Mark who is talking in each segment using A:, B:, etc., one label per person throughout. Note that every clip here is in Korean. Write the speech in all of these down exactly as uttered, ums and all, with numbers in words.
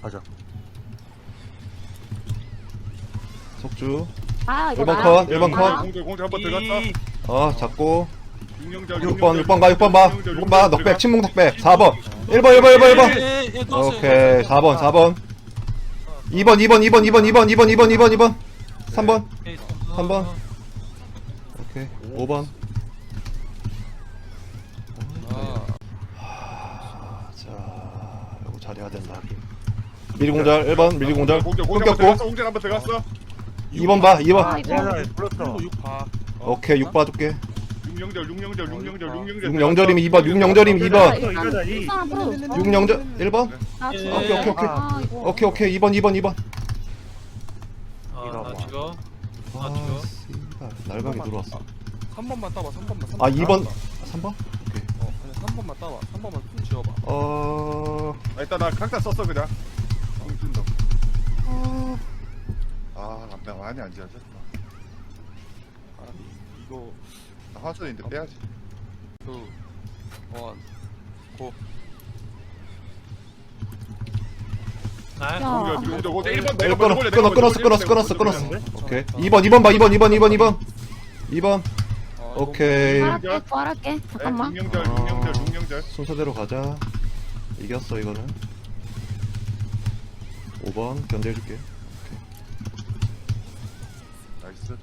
A: 가자.
B: 속주.
C: 아 이거
B: 일 번
C: 나야?
B: 컷, 일 번
C: 아.
B: 컷.
D: 공절 공절 한번 들어갔어.
B: 어, 잡고.
D: 육령절
B: 육 번, 육 번 가, 육 번 봐. 육 번 봐. 넉백, 침묵 넉백. 사 번. 일 번, 일 번, 일 번, 일 번. 오케이. 사 번, 사 번. 이 번, 이 번, 이 번, 이 번, 이 번, 이 번, 이 번, 이 번, 이 번. 삼 번. 삼 번. 오케이. 오 번. 자, 이거 잘해야 된다. 미리 공절 일 번, 미리 공절.
D: 공절 공절 한번
B: 끊겼고.
D: 들어갔어. 공절 한번 들어갔어.
B: 이 번 봐, 이
C: 아
B: 번.
C: 이거
A: 야, 불렀어.
B: 오케이, 육 봐줄게.
D: 육령절 육령절 육령절 육령절.
B: 육 영절이면 이 번, 육 영절이면 이 번.
A: 이거다, 이.
B: 육 영절 일 번.
C: 나
B: 오케이, 오케이, 오케이.
C: 아 이거
B: 오케이, 오케이. 이 번, 이 번, 이 번.
E: 아나 죽어. 아,
B: 아,
E: 죽어.
B: 씨발. 날강이 들어왔어.
F: 삼 번만 따봐. 삼 번만. 삼
B: 아,
F: 번만.
B: 이 번. 삼 번? 오케이.
F: 어, 그냥 삼 번만 따봐. 삼 번만 쭉 지어봐.
B: 어.
D: 아, 일단 나 각자 썼어 그냥. 공준다.
C: 어,
D: 아, 나 많이 안 지어져.
F: 아, 이거
D: 나 화천인데 빼야지.
F: 그 원, 고.
E: 나
C: 야.
D: 공절 공절 공절 일 번
B: 일
D: 내가
B: 끊어,
D: 먼저
B: 끊어,
D: 내가
B: 끊었어,
D: 먼저
B: 끊었어,
D: 내가
B: 끊었어,
D: 먼저
B: 끊었어.
D: 내가
B: 오케이. 이 번, 이 번 봐, 이 번, 이 번, 이 번, 이 번. 이 번.
F: 어,
B: 오케이.
C: 부활할게 부활할게 잠깐만
D: 먼저. 육령절 육령절 육령절.
B: 순서대로 가자. 이겼어, 이거는. 오 번 견제해줄게.
D: 나이스.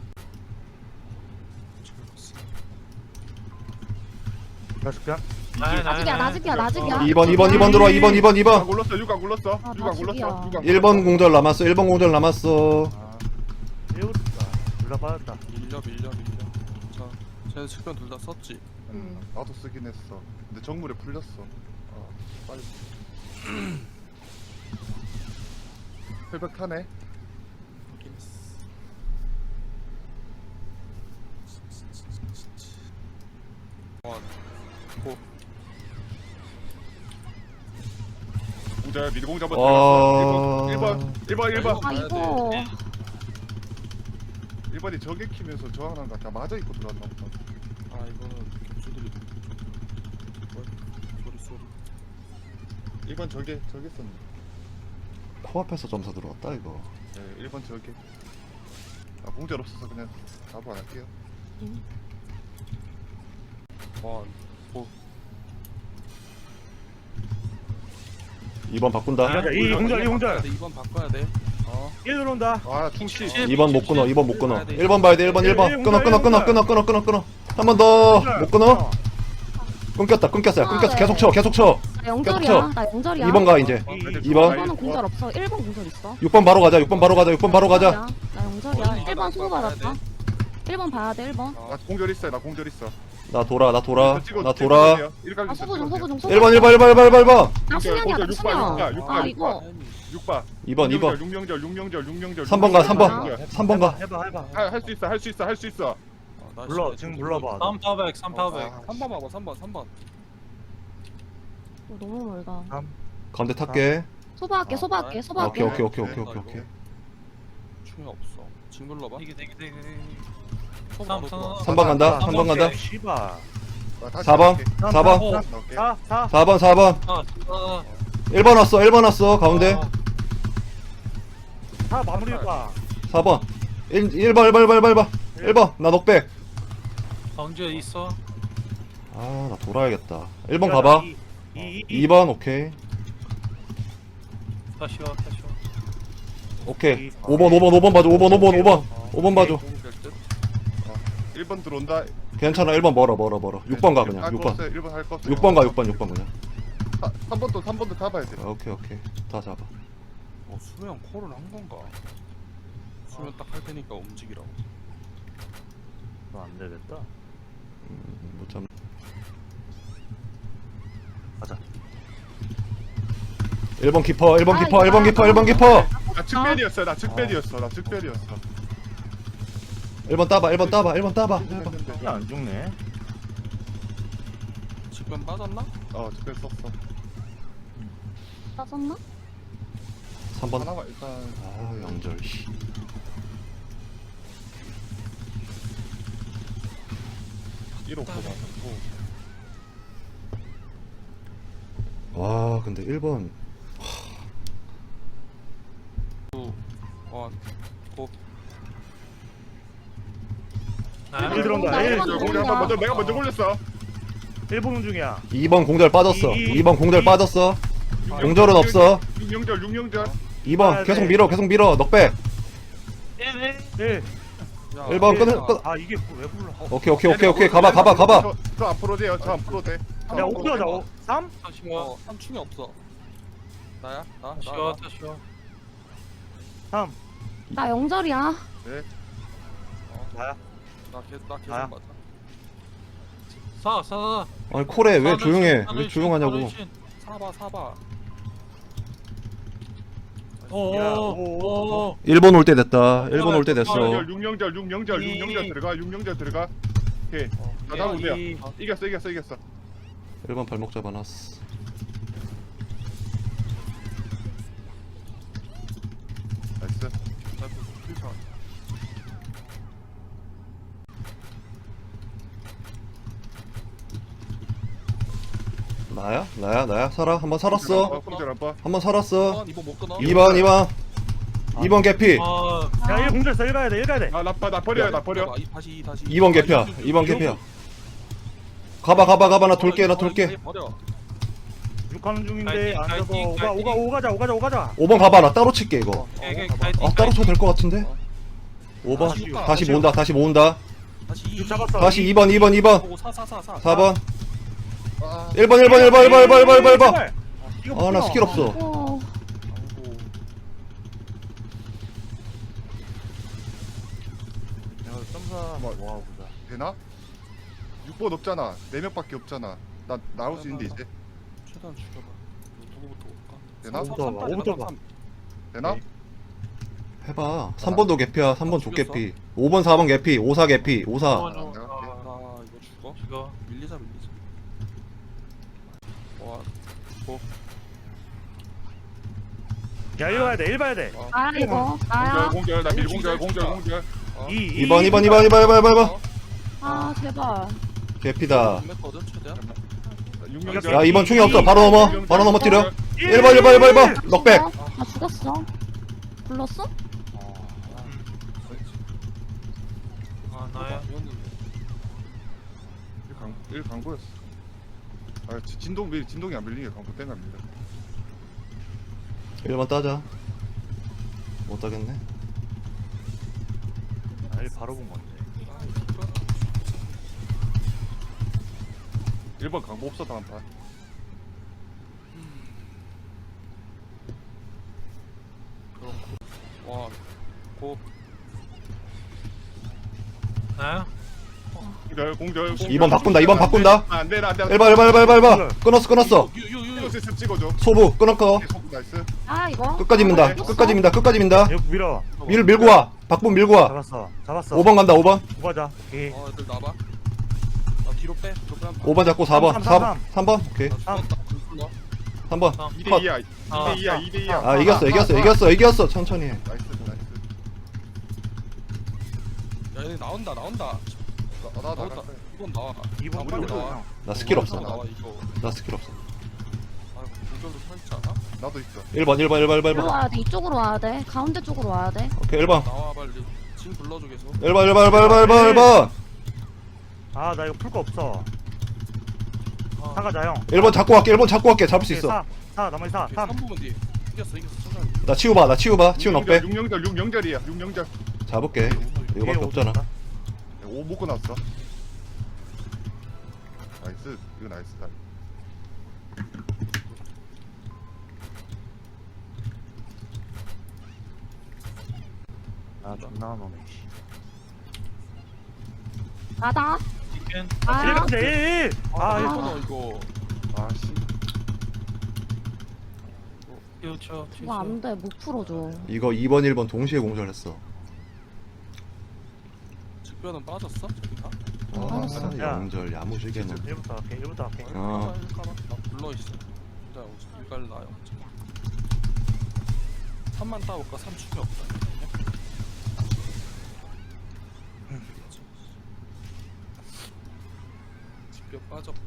A: 가줄게.
C: 나직이야 나직이야 나직이야
B: 이 번, 이 번, 이 번 들어와. 이 번, 이 번, 이
D: 육안
B: 번.
D: 굴렀어 육안 굴렀어.
C: 아,
D: 육안 굴렀어.
C: 나직이야.
D: 육안
B: 일 번 공절 남았어. 일 번 공절 남았어.
D: 아,
A: 배우다. 둘 다 받았다.
F: 밀려 밀려 밀려. 자, 쟤네 측면 둘 다 썼지.
D: 음, 나도 쓰긴 했어. 근데 정물에 풀렸어. 어, 빨리. 혈백 타네.
F: 확인했어. 원, 고.
D: 공절 미리 공절 한번
B: 어.
D: 들어갔어. 일 번 일 번 일 번 일 번.
C: 아 이거
D: 일 번이 저게 키면서 저항한 거다 맞아 있고 들어왔나 보다.
F: 아, 이거는 격수들이 뭐? 소리 소리.
D: 일 번 저게 저게 썼네.
B: 코앞에서 점사 들어왔다, 이거.
D: 네, 일 번 저게. 아, 공절 없어서 그냥 답을 안 할게요.
F: 원, 고.
B: 이 번 바꾼다.
A: 가자. 이 공절, 이 공절.
F: 이 번 바꿔야 돼. 어.
A: 일 들어온다.
D: 아, 충치.
B: 이 번 못 끊어, 이 번 못 끊어. 일 번 봐야 돼, 일 번, 일 번. 끊어, 끊어, 끊어, 끊어, 끊어, 끊어, 끊어. 한 번 더. 못 끊어? 끊겼다, 끊겼어요. 끊겼어. 계속 쳐, 계속 쳐.
C: 나 영절이야 나 영절이야
B: 이 번 가, 이제. 이 번.
C: 일 번은 공절 없어 일 번 공절 있어
B: 육 번 바로 가자, 육 번 바로 가자, 육 번 바로 가자.
C: 나 영절이야 일 번 수고 받았다 일 번 봐야 돼 일 번
D: 나 공절 있어요. 나 공절 있어.
B: 나 돌아, 나 돌아.
D: 찍어-
B: 나
D: 찍어
B: 돌아.
D: 주세요. 일각
C: 아
D: 있어,
C: 소부 좀
D: 찍어
C: 소부 좀
D: 주세요.
C: 소부
B: 일 번, 일 번, 일 번, 일 번, 일 번, 일 번.
C: 나 수면이야 나
D: 공절,
C: 수면
D: 육바, 육바,
C: 아
D: 육바,
C: 이거
D: 육 번.
B: 이 번, 이 번.
D: 육령절 육령절 육령절
B: 삼 번 가, 삼 번. 삼 번 가.
A: 해봐, 해봐.
D: 할 수 있어. 할 수 있어. 할 수 있어.
F: 아, 나
A: 불러,
F: 진짜
A: 지금
F: 지금
A: 불러봐.
E: 삼파백 삼파백.
D: 아,
F: 삼 번 봐봐. 삼 번, 삼 번.
C: 이거 너무 멀다
B: 가운데 탈게.
C: 소부할게
F: 아,
C: 소부할게
B: 오케이,
C: 소부할게
B: 오케이, 오케이, 오케이, 오케이, 오케이.
F: 충이 없어. 지금 눌러봐.
E: 되게 되게 되게.
F: 손
E: 삼,
F: 바로
E: 삼.
F: 들어와.
B: 삼 번 간다, 삼 번 간다.
A: 씨발.
D: 나 다시
B: 사 번,
D: 할게.
B: 사 번.
E: 어.
D: 넣을게.
A: 사, 사.
B: 사 번, 사 번.
E: 아, 아,
B: 일 번 왔어, 일 번 왔어, 가운데.
E: 아,
A: 사 마무리해봐.
B: 사 번. 일, 일 번, 일 번, 일 번, 일 번, 일 번. 일 번, 나 녹백.
E: 가운데 있어.
B: 아, 나 돌아야겠다. 일 번 가봐.
A: 이, 이, 이.
B: 이 번, 오케이.
E: 다시 와, 다시 와.
B: 오케이. 오 번, 오 번, 오 번 봐줘, 오 번, 오 번, 오 번. 오 번 봐줘.
F: 공격 끝.
D: 일 번 들어온다.
B: 괜찮아, 일 번 멀어, 멀어, 멀어. 육 번 가, 그냥. 육 번.
D: 일 번 할 거. 없어요.
B: 육 번 가, 육 번, 육 번 그냥.
D: 삼 번도 삼 번도 잡아야 돼.
B: 오케이, 오케이. 다 잡아.
F: 어, 수면 콜을 한 건가? 수면 딱 할 테니까 움직이라고.
A: 너 안 되겠다.
B: 음, 못 잡.
A: 가자.
B: 일 번 키퍼, 일 번
C: 아,
B: 키퍼, 일 번
C: 이거
B: 키퍼, 일 번 키퍼.
D: 나 측변이었어. 나 측변이었어. 나 측변이었어.
B: 일 번 따봐, 일 번 따봐, 일 번 따봐. 일 번.
D: 했는데.
A: 야, 안 죽네.
F: 측면 빠졌나?
D: 어, 측변 썼어.
C: 빠졌나?
B: 삼 번.
D: 하나만 일단.
B: 아, 영절. 씨.
D: 일 호 뽑아놓고.
B: 와, 근데 일 번.
F: 원. 고.
E: 나야.
A: 일 들어온다.
C: 나
A: 일.
C: 일본
D: 저 공절 한번 먼저 내가 먼저 굴렸어.
A: 일 보는 중이야.
B: 이 번 공절 빠졌어.
A: 이-
B: 이 번 공절
A: 이-
B: 빠졌어. 공절은 없어.
D: 육령절 육령절.
B: 이 번 계속 밀어 계속 밀어 넉백.
A: 일.
F: 야,
B: 일 번
A: 일.
B: 끊을 끊.
A: 아 이게 왜 불러?
B: 오케이 오케이 오케이 오케이 가봐 가봐 가봐.
D: 저, 저 앞으로 돼요. 저 앞으로 돼. 저
A: 야
D: 앞으로
A: 오 들어가자.
D: 돼.
A: 오. 삼.
E: 쉬워.
F: 어, 삼충이 없어. 나야? 나? 나?
E: 쉬워.
F: 나?
E: 쉬워.
A: 삼.
C: 나 영절이야.
A: 나야.
F: 나 계속 나 계속
A: 나야.
F: 맞아.
E: 사, 사.
B: 아니 콜에 왜 조용해? 왜 조용하냐고.
F: 사봐 사봐.
E: 오,
A: 야,
E: 오,
A: 오,
E: 오.
B: 일 번 올 때 됐다. 일 번 올 때 됐어.
D: 육령절 육령절
A: 이-
D: 육령절 들어가. 육령절 들어가. 오케이. 나
E: 예,
D: 다음 돼요.
E: 이-
D: 이겼어 이겼어 이겼어.
B: 일 번 발목 잡아놨어.
D: 나이스.
B: 나야? 나야? 나야? 살아? 한 번 살았어.
D: 공절 한번.
B: 한 번 살았어.
F: 이번 못 끊어.
B: 이 번 이 번 이 번 개피.
E: 아,
A: 야 일 공절 일 가야 돼. 일 가야 돼.
D: 아, 나, 나 버려, 나 버려.
F: 이 다시 다시.
B: 이 번 개피야. 이 번 개피야. 가봐 가봐 가봐 나 돌게 나 돌게.
F: 버려.
A: 육 하는 중인데
E: 파이팅,
A: 안 돼서
E: 파이팅,
A: 오가
E: 파이팅.
A: 오가 오 가자. 오 가자. 오 가자.
B: 오 번 가봐 나 따로 칠게 이거.
E: 오케이, 오케이,
A: 어,
E: 파이팅,
B: 아 따로 쳐도 될 것 같은데. 오 번
A: 아쉬워.
B: 다시
A: 아쉬워.
B: 모은다 다시 모은다.
F: 다시 이.
A: 육 잡았어.
B: 다시 이 번 이 번 이 번
F: 오, 사, 사, 사, 사.
B: 사 번
D: 아,
B: 일 번 일 번 일 번 일 번 일 번 일 번 일 번.
A: 제발. 이거
B: 아 나
A: 풀어.
B: 스킬 없어.
C: 어.
F: 아이고.
A: 내가 점사 한번 모아보자.
D: 되나? 육 번 없잖아. 네 명밖에 없잖아. 나 나올 수 있는데 이제.
F: 최대한 죽여봐. 누구부터 올까?
D: 되나?
A: 오부터 봐, 오부터 봐.
D: 되나?
A: 네.
B: 해봐. 삼 번도 개피야. 삼 번 족개피. 오 번 사 번 개피. 오 사 개피. 오 사.
E: 어,
D: 내가 할게.
F: 나 이거 죽어?
E: 죽어.
F: 밀리자 밀리자. 와.
A: 야 일 가야 돼. 일 봐야 돼.
C: 나야 이거. 나야.
D: 공절, 공절, 나 밀공절, 공절, 공절.
F: 어.
A: 이.
B: 이 번 이 번 이 번 이 번 이 번 이 번 이 번.
C: 아 제발.
B: 개피다.
F: 몇거든 최대한?
D: 육령절.
B: 야 이 번 충이 없어. 바로 넘어. 바로 넘어뜨려. 일 번 일 번 일 번 일 번. 넉백.
C: 나 죽었어. 불렀어?
E: 아, 나야.
D: 일 강보였어. 아, 지- 진동 밀 진동이 안 밀리게 강보 땡 갑니다.
B: 일 번 따자. 못 따겠네.
A: 아, 일 바로 본 건데.
D: 일 번 강보 없어 다음 판.
F: 와. 고.
E: 나야.
D: 공절, 공절. 공절.
B: 이 번 바꾼다. 이 번 바꾼다.
D: 아, 안 돼, 안 돼.
B: 일 번 일 번 일 번 일 번 일 번. 끊었어 끊었어.
F: 유유유.
D: 이거 시스템 찍어줘.
B: 소부 끊었고.
D: 오케이, 속 나이스.
C: 아 이거.
B: 끝까지 민다. 끝까지 민다. 끝까지 민다.
A: 이거 밀어.
B: 밀 밀고 와. 박분 밀고 와.
A: 잡았어. 잡았어.
B: 오 번 간다. 오 번.
A: 오 가자. 오케이.
F: 어, 애들 나봐. 나 뒤로 빼. 뒤로 빼.
B: 오 번 잡고 사 번.
A: 삼,
B: 사
A: 삼,
B: 번. 삼 번. 오케이.
F: 나 죽었다. 불러.
B: 삼 번.
E: 삼.
D: 이
B: 컷.
D: 대 이야. 이
E: 아,
D: 대 이야. 이 대 이야.
B: 아 이겼어 이겼어 이겼어 이겼어. 천천히 해.
D: 나이스, 나이스.
F: 야, 얘네 나온다. 나온다.
D: 나, 나, 나,
F: 나온다. 이건 나와.
A: 이 번
F: 아,
A: 빨리
F: 나와.
A: 나와.
B: 나 스킬 없어.
F: 나와 이거.
B: 나 스킬 없어.
F: 아, 공격도 살지 않아?
D: 나도 있어.
B: 일 번 일 번 일 번 일 번 일
C: 이리로
B: 번.
C: 와야 돼. 이쪽으로 와야 돼. 가운데 쪽으로 와야 돼.
B: 오케이 일 번.
F: 나와 빨리. 지금 불러줘 계속.
B: 일 번 일 번 일 번 일 번 일 번 일 번.
A: 아, 나 이거 풀 거 없어.
E: 아,
A: 사 가자, 형.
B: 일 번 잡고 갈게. 일 번 잡고 갈게. 잡을 수
A: 오케이,
B: 있어.
A: 사. 사, 나머지 사. 삼.
F: 삼 부분 뒤. 이겼어 이겼어 천천히.
B: 나 치우 봐. 나 치우 봐. 치우 넉배.
D: 육령절, 육령절이야. 육령절.
B: 잡을게. 이거밖에
A: 뒤에
B: 없잖아.
A: 오졌다.
D: 오 묶어 놨어. 나이스. 이거 나이스다.
A: 아, 존나 너네.
C: 나다.
E: 치킨.
A: 일
C: 나야.
A: 가자, 일, 일. 아,
C: 아.
A: 일.
F: 이거 이거.
D: 아, 씨.
E: 치우, 치우, 치우.
C: 이거 안 돼. 못 풀어줘.
B: 이거 이 번 일 번 동시에 공절했어.
F: 직변은 빠졌어? 저기 다?
C: 어,
B: 아,
C: 맞았어.
A: 야.
B: 영절 야무지게는.
A: 일부터 할게, 일부터 할게.
B: 어.
F: 나 불러 있어. 진짜 이갈 나요. 삼만 따볼까? 삼 축이 없다. 직변 빠졌고.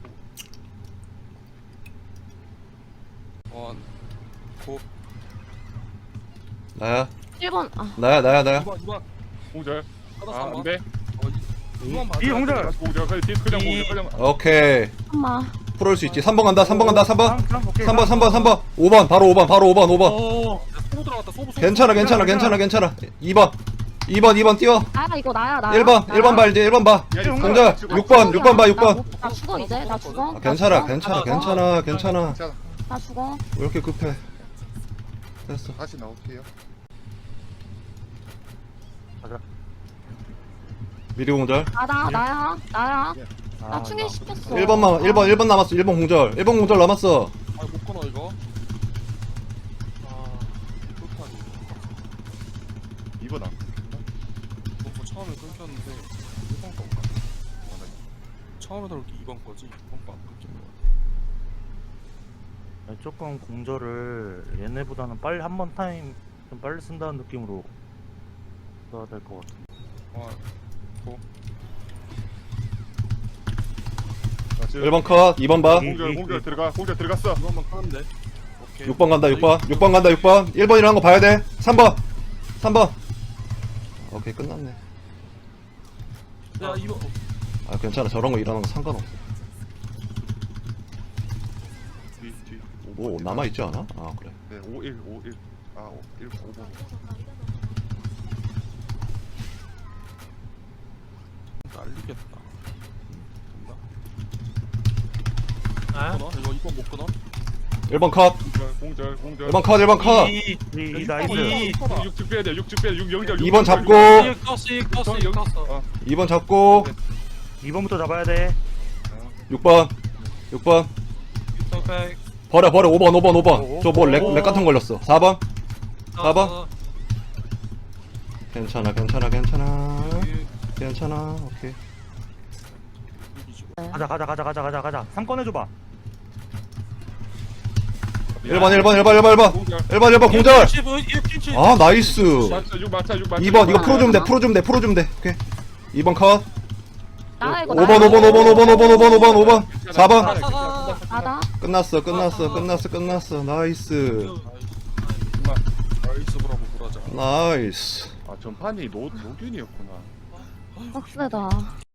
F: 원. 고.
B: 나야.
C: 일 번 아
B: 나야 나야 나야.
F: 이번 이번
D: 공절.
F: 하나
D: 아
F: 삼번.
D: 안돼.
F: 어 이- 이번 봐줘.
A: 이 공절.
D: 다시 공절. 그냥 뒤 그냥 공절. 그냥.
B: 오케이.
C: 잠깐만
B: 풀을 수 있지. 삼 번 간다. 삼 번 간다. 삼 번.
A: 삼, 삼, 오케이,
B: 삼 번
A: 삼.
B: 삼 번 삼 번. 오 번 바로 오 번 바로 오 번 오 번.
F: 오. 소부 들어갔다. 소부 소부.
B: 괜찮아 괜찮아 괜찮아 괜찮아. 이 번. 이 번 이 번 뛰어.
C: 나야 이거 나야 나야
B: 일 번 일 번 봐 이제 일 번 봐.
D: 야, 이거
B: 공절
D: 지금
B: 육 번 육 번 봐 육 번.
C: 나, 나 죽어 이제 나 죽어
B: 아,
C: 나
B: 괜찮아
C: 죽어.
B: 괜찮아
C: 나 죽어.
B: 괜찮아 괜찮아.
D: 괜찮아.
C: 나 죽어
B: 왜 이렇게 급해? 됐어.
D: 다시 나올게요.
B: 미리 공절.
C: 나다 나야 나야
A: 아,
C: 나 충전 시켰어
B: 일 번만 일 번 일 번 남았어. 일 번 공절. 일 번 공절 남았어.
F: 아못 끊어 이거. 아. 끝판이.
D: 이번 안.
F: 뭔가 처음에 끊겼는데 일 번 건가? 아, 나 처음에 들어올 게 이 번 거지. 이 번 거안 끊긴 거야.
A: 나 조금 공절을 얘네보다는 빨리 한 번 타임 좀 빨리 쓴다는 느낌으로 써야 될 것 같아.
F: 아.
B: 일 번 컷. 이 번 봐.
D: 공절 공절 들어가. 공절 들어갔어.
F: 이번만 끊으면 돼. 오케이.
B: 육 번 간다. 육 번. 육 번 간다. 육 번. 일 번이라는 거 봐야 돼. 삼 번. 삼 번. 오케이 끝났네.
F: 야 이번.
B: 아 괜찮아. 저런 거 일어나는 거 상관없어.
D: 뒤 뒤.
B: 뭐 남아 있지 않아? 아 그래.
D: 네, 오일 오일. 아, 일 오 번.
F: 날리겠다. 된다.
E: 나야?
F: 끊어? 이거 이번 못 끊어?
B: 일 번 컷.
D: 공절 공절 공절.
B: 일 번 컷. 일 번 컷.
A: 이, 이, 이 나이스.
E: 이.
D: 육즙 빼야 돼. 육즙 빼야 돼. 육 영절.
B: 이 번 잡고.
E: 이 껐어 이 껐어 이 껐어.
D: 어.
B: 이 번 잡고.
A: 이 번부터 잡아야 돼.
B: 육 번. 육 번.
E: 백.
B: 버려 버려. 오 번 오 번 오 번.
A: 오,
B: 저 뭐 렉
A: 오.
B: 렉 같은 거 걸렸어. 사 번. 사 번.
E: 어,
B: 괜찮아 괜찮아 괜찮아.
F: 여기
B: 괜찮아. 오케이.
F: 이기지.
A: 가자, 가자, 가자, 가자, 가자, 가자. 삼 꺼내줘봐.
B: 일 번 일 번 일 번 일 번 일 번.
D: 공절.
B: 일 번 일 번 공절.
E: 일
B: 아 나이스.
D: 맞자 육 맞자 육 맞자.
B: 이 번 이거 풀어주면 돼 풀어주면 돼 풀어주면 돼. 오케이. 이 번 컷.
C: 나야 이거
B: 오 번 오 번 오 번 오 번 오 번 오 번 오 번 오 번. 사 번.
C: 나다
B: 끝났어 끝났어 끝났어 끝났어. 나이스.
F: 나이스 브라보 브라자.
B: 나이스.
D: 아 전판이 노 노균이었구나.
C: 빡세다